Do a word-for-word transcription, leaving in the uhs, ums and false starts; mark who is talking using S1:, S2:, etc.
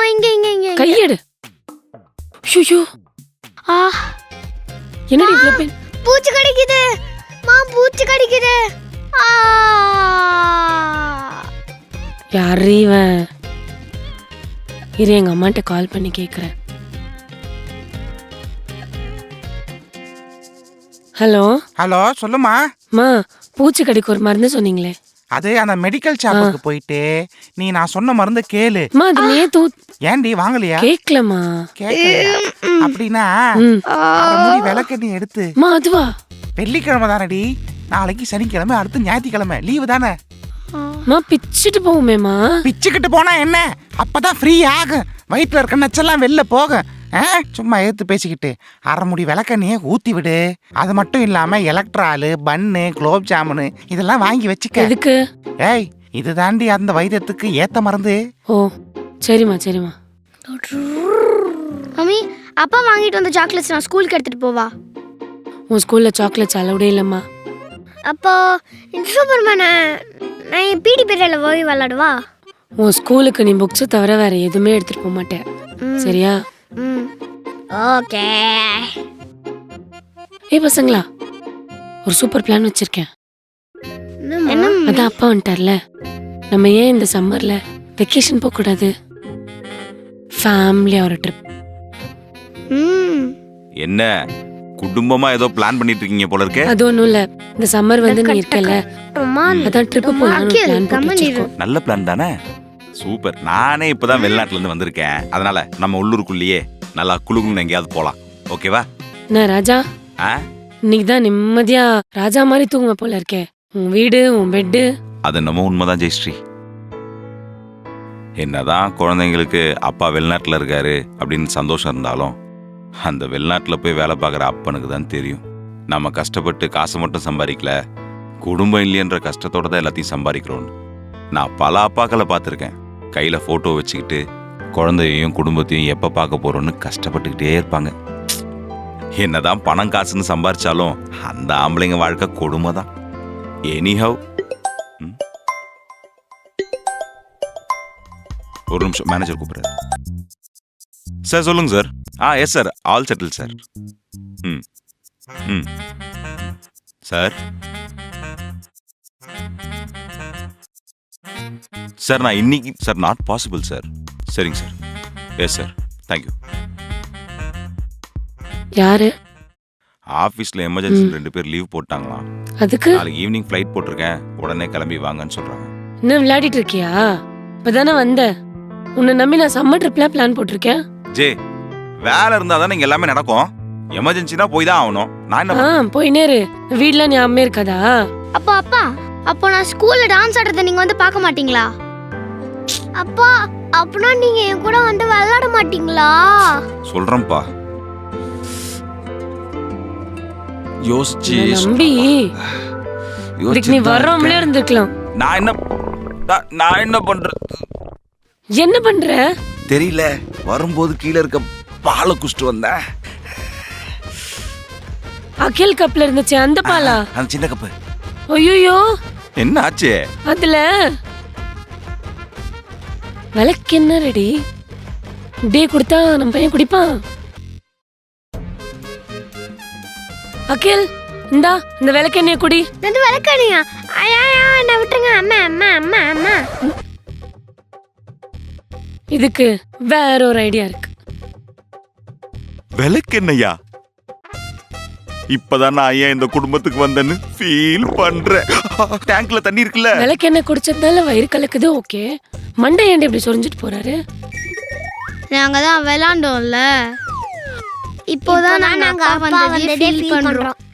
S1: இங்க இங்க இங்க
S2: கையெடு. ஐயோ
S1: ஆ
S2: என்னடி இவ்ளோ பெயின்?
S1: பூச்சி கடிக்குது மா, பூச்சி கடிக்குது. ஆ
S2: யாரு இவன்? இரு எங்க அம்மாட்ட கால் பண்ணி கேக்குறேன். ஹலோ
S3: ஹலோ சொல்லுமா.
S2: மா, பூச்சி கடிக்கு ஒரு மருந்து சொன்னீங்களே.
S3: அது அந்த மெடிக்கல் ஷாப்புக்கு போயிட்டு நீ நான் சொன்ன மருந்து கேளு.
S2: மா அது நேத்து
S3: ஏண்டி வாங்கலையா?
S2: கேக்கலமா.
S3: கேட்கலையா? அப்படின்னா
S2: ம்
S3: அரை மூடி விளக்கெண்ணி எடுத்து.
S2: மா அதுவா?
S3: வெள்ளிக்கிழமை தானடி, நாளைக்கு சனிக்கிழமை, அடுத்து ஞாயிற்றுக்கிழமை லீவு தானே.
S2: மா பிச்சிட்டு போவோமேமா.
S3: பிச்சுக்கிட்டு போனா என்ன, அப்பதான் ஃப்ரீ ஆகும், வயிற்றுல இருக்க நச்செல்லாம் வெளில போகும். ஆ, சும்மா எடுத்து பேசிக்கிட்டு அரை முடி விளக்கண்ணியே ஊத்தி விடு. அது மட்டும் இல்லாம எலக்ட்ராலு, பன்னு, குலோப் ஜாமுனு இதெல்லாம் வாங்கி வச்சுக்க.
S2: எதுக்கு?
S3: ஏய், இது தாண்டி அந்த வைத்தியத்துக்கு ஏத்த மருந்து.
S2: ஓ சரிம்மா சரிம்மா.
S1: மம்மி, அப்பா வாங்கிட்டு வந்த சாக்லேட்ஸ் நான் ஸ்கூலுக்கு எடுத்துட்டு போவா?
S2: உன் ஸ்கூல்ல சாக்லேட்ஸ் அலவுடே இல்லம்மா.
S1: அப்போ இந்த சூப்பர்மேனை நான் என் பிடி பீரியட்ல போய் விளையாடுவா?
S2: உன் ஸ்கூலுக்கு நீ புக்ஸை தவிர வேற எதுவுமே எடுத்துட்டு போக மாட்டேன், சரியா?
S1: ம் ஓகே.
S2: ஏய் பசங்களா, ஒரு சூப்பர் பிளான் வச்சிருக்கேன்.
S1: என்ன?
S2: அதான் அப்பா வந்துட்டார்ல, நம்ம ஏன் இந்த சம்மர்ல வெக்கேஷன் போக கூடாது? ஃபேமிலியா ஒரு ட்ரிப்.
S1: ம்
S4: என்ன குடும்பமா ஏதோ பிளான் பண்ணிட்டு இருக்கீங்க போல இருக்கே.
S2: அது ஒண்ணும் இல்ல, இந்த சம்மர் வந்து நீ இருக்கல,
S1: அம்மா
S2: அதான் ட்ரிப் போலாம்னு பிளான் போட்டு வச்சிருக்கோம்.
S4: நல்ல பிளான் தானே, சூப்பர். நானே இப்பதான் வெளிநாட்டுல இருந்து வந்திருக்கேன், அதனால நம்ம உள்ளூருக்குள்ளேயே நல்லா குளுகுன்னு எங்கேயாவது போலாம். ஓகேவா?
S2: என்ன ராஜா,
S4: ஆ,
S2: இன்னைக்கு தான் நிம்மதியா ராஜா மாதிரி தூங்குவ போல இருக்கே. உன் வீடு, உன் பெட்டு.
S4: அது நம்ம உண்மைதான் ஜெயஸ்ரீ. என்னதான் குழந்தைங்களுக்கு அப்பா வெளிநாட்டுல இருக்காரு அப்படின்னு சந்தோஷம் இருந்தாலும், அந்த வெளிநாட்டுல போய் வேலை பார்க்குற அப்பனுக்கு தான் தெரியும் நம்ம கஷ்டப்பட்டு காசை மட்டும் சம்பாதிக்கல, குடும்பம் இல்லையன்ற கஷ்டத்தோட தான் எல்லாத்தையும் சம்பாதிக்கிறோன்னு. நான் பல அப்பாக்களை பார்த்துருக்கேன், கையில போட்டோ வச்சுக்கிட்டு குழந்தையையும் குடும்பத்தையும் எப்ப பார்க்க போறோம்னு கஷ்டப்பட்டுக்கிட்டே இருப்பாங்க. என்னதான் பணம் காசுன்னு சம்பாரிச்சாலும் அந்த ஆம்பளைங்க வாழ்க்கை கொடுமை தான். எனிஹவ், ஒரு நிமிஷம், மேனேஜர் கூப்பிடுறாரு. சார் சொல்லுங்க சார். ஆ yes sir, all settle sir. ம் ம் சார் சார் நான் இன்னைக்கு சார் நாட் பாசிபிள் சார். சரிங்க சார். Yes sir, thank you.
S2: யாரு?
S4: ஆஃபீஸில் எமர்ஜென்சி ரெண்டு பேர் லீவ் போட்டாங்களாம்.
S2: அதுக்கு
S4: நாளைக்கு ஈவினிங் ஃப்ளைட் போட்டிருக்கேன், உடனே கிளம்பி வாங்கன்னு சொல்கிறாங்க.
S2: என்ன விளையாடிட்டு இருக்கியா? இப்பதானே வந்த, உன்னை நம்பி நான் சம்மர் ட்ரிப்லாம் பிளான் போட்டிருக்கேன்.
S4: ஜே, வேலை இருந்தால் தானே இங்கே எல்லாமே நடக்கும், எமர்ஜென்சினா போய் தான் ஆகணும். நான் என்ன
S2: ஆ போயினே இரு, வீட்ல ஞாபகமே இருக்காதா?
S1: அப்பா அப்பா, அப்போ நான் ஸ்கூல்ல டான்ஸ் ஆடுறத நீங்க வந்து பார்க்க மாட்டீங்களா? அப்பா, அப்பனா நீங்க என் கூட வந்து விளையாட மாட்டீங்களா?
S4: சொல்றேன்ப்பா, யோசிச்சு
S2: நம்பி இதுக்கு நீ வர்றோம்ல இருந்துக்கலாம்.
S4: நான் என்ன நான்- நான் என்ன பண்றது
S2: என்ன பண்ற
S4: தெரியல. வரும்போது கீழே இருக்க பாலை குடிச்சிட்டு வந்தேன்.
S2: அகில் கப்ல இருந்துச்சு அந்த பாலா?
S4: அந்த சின்ன கப்பு.
S2: ஐயோ,
S4: என்ன ஆச்சு?
S2: அதுல விளக்கு என்ன ரெடி டே கொடுத்தா நம்ம பையன் குடிப்பான். அகில், இந்தா இந்த விளக்கு எண்ணெய குடி.
S1: இந்த விளக்கணியா? ஐயா என்ன விட்டுருங்க அம்மா அம்மா அம்மா அம்மா.
S2: இதுக்கு வேற ஒரு ஐடியா இருக்கு.
S4: விளக்கு என்னையா? இப்பதான் நான் ஏன் இந்த குடும்பத்துக்கு வந்தேன்னு ஃபீல் பண்றேன். டேங்க்ல தண்ணி இருக்குல்ல,
S2: விளக்கு எண்ணெய் குடிச்சதால வயிறு கலக்குது. ஓகே, மண்டை ஏண்டி இப்படி சொரிஞ்சிட்டு போறாரு?
S1: நாங்க தான் விளையாண்டோம்ல, இப்போதான் நாங்க அப்பா வந்ததே ஃபீல் பண்றோம்.